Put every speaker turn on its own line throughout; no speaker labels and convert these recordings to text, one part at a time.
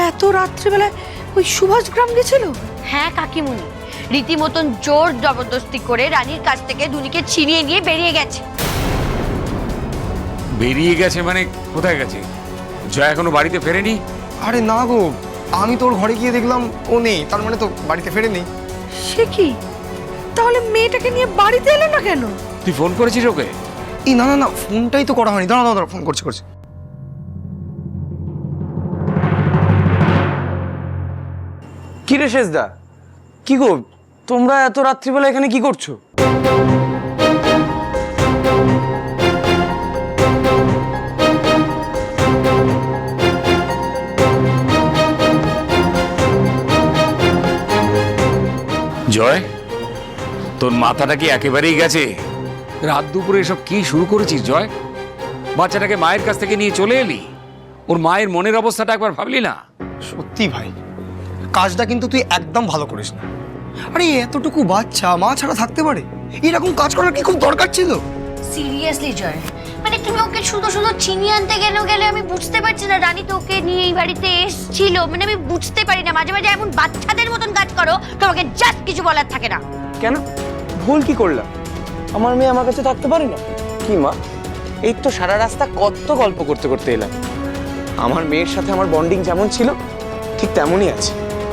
এত রাত্রিবেলায় ওই সুভাষ গ্রাম গেছিল?
হ্যাঁ কাকিমুনি, রীতিমতন জোর জবরদস্তি করে রানীর কাছ থেকে দুনিকে ছিনিয়ে নিয়ে বেরিয়ে গেছে।
বেরিয়ে গেছে মানে কোথায় গেছে? জয়া এখনো বাড়িতে ফেরেনি?
আরে না গো, আমি তোর ঘরে গিয়ে দেখলাম ও নেই, তার মানে তো বাড়িতে ফেরেনি।
সে কি? তাহলে মেয়েটাকে নিয়ে বাড়িতে এলো না কেন?
তুই ফোন করেছিস ওকে?
এই না না না, ফোনটাই তো করা হয়নি। দাঁড়া দাঁড়া, ফোন করছি।
কি রে শেষদা, কি গো তোমরা এত রাত্রিবেলা এখানে কি করছো?
জয়, তোর মাথাটা কি একেবারেই গেছে? রাত দুপুরে এসব কি শুরু করেছিস জয়? বাচ্চাটাকে মায়ের কাছ থেকে নিয়ে চলে এলি, ওর মায়ের মনের অবস্থাটা একবার ভাবলি না?
সত্যি ভাই, কাজটা কিন্তু তুই একদম ভালো করিস না। আরে এতটুকু বাচ্চা মা ছাড়া থাকতে পারে? এরকম কাজ করার কি খুব দরকার ছিল?
সিরিয়াসলি জয়, মানে তুমি ওকে শুধু শুধু ছিনিয়ে আনতে গেলে আমি বুঝতে পারছি না। রানী তো ওকে নিয়ে এই বাড়িতে এসেছিল, মানে আমি বুঝতে পারি না। মাঝে মাঝে এমন বাচ্চাদের মতন কাজ করো, তোমাকে জাস্ট কিছু বলার থাকে না।
কেন, ভুল কি করলাম? আমার মেয়ে আমার কাছে থাকতে পারে না? কি মা, এই তো সারা রাস্তা কত গল্প করতে করতে এলাম। আমার মেয়ের সাথে আমার বন্ডিং যেমন ছিল ঠিক তেমনই আছে।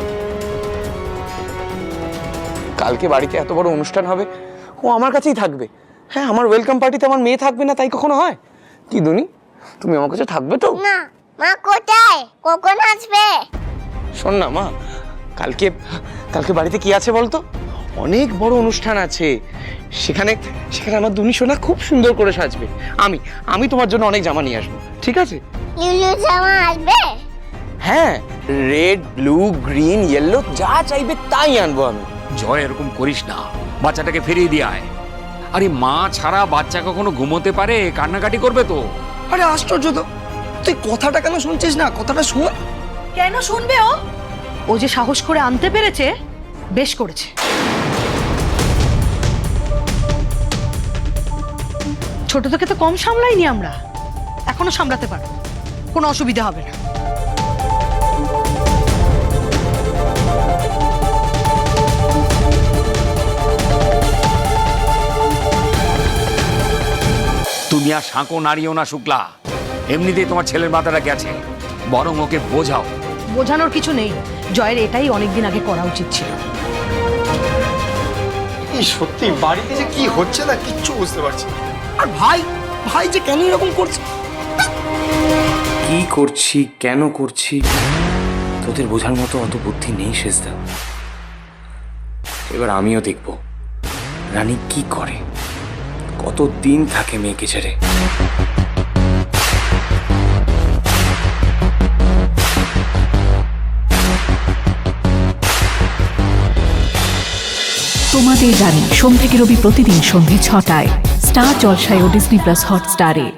কালকে বাড়িতে এত বড় অনুষ্ঠান হবে, ও আমার কাছেই থাকবে। হ্যাঁ, আমার ওয়েলকাম পার্টিতে আমার মেয়ে থাকবে না তাই কখনো হয়? কি দুনি, তুমি আমার কাছে থাকবে তো?
না মা, কোথায়, কখন আসবে?
শোন না মা, কালকে কালকে বাড়িতে কি আছে বলতো? অনেক বড় অনুষ্ঠান আছে। সেখানে সেখানে আমার দুনি সোনা খুব সুন্দর করে সাজবে। আমি তোমার জন্য অনেক জামা নিয়ে আসবো, ঠিক আছে?
লিলু জামা আসবে?
হ্যাঁ, রেড, ব্লু, গ্রিন, ইয়েলো যা চাইবে তাই আনবো আমি।
জয়, এরকম করিস না, বাচ্চাটাকে ফিরিয়ে দিয়ে আয়। আরে মা ছাড়া বাচ্চা কখনো ঘুমোতে পারে? কান্নাকাটি করবে তো।
আরে আশ্চর্য তো, তুই কথাটা কেন শুনছিস না? কথাটা শোন।
কেন শুনবে ও? ও যে সাহস করে আনতে পেরেছে, বেশ করেছে। ছোট থেকে তো কম সামলাইনি আমরা, এখনো সামলাতে পারো, কোনো অসুবিধা হবে না।
তুমি আর সাঁকো নাড়িও না শুক্লা, এমনিতেই তোমার ছেলের মাথাটা গেছে, বরং ওকে বোঝাও।
বোঝানোর কিছু নেই, জয়ের এটাই অনেকদিন আগে করা উচিত ছিল।
এই সত্যি বাড়িতে যে কি হচ্ছে না কিচ্ছু বুঝতে পারছি না। আর ভাই ভাই যে কেন এরকম করছে?
কি করছি, কেন করছি, তোদের বোঝার মতো অত বুদ্ধি নেই শেষদা। এবার আমিও দেখব রানী কি করে, কতদিন থাকে মেয়েকে ছেড়ে।
তোমাদের রানী সোম থেকে রবি প্রতিদিন সন্ধ্যে ৬টায় স্টার জলসায় ও ডিজনি প্লাস হটস্টারে।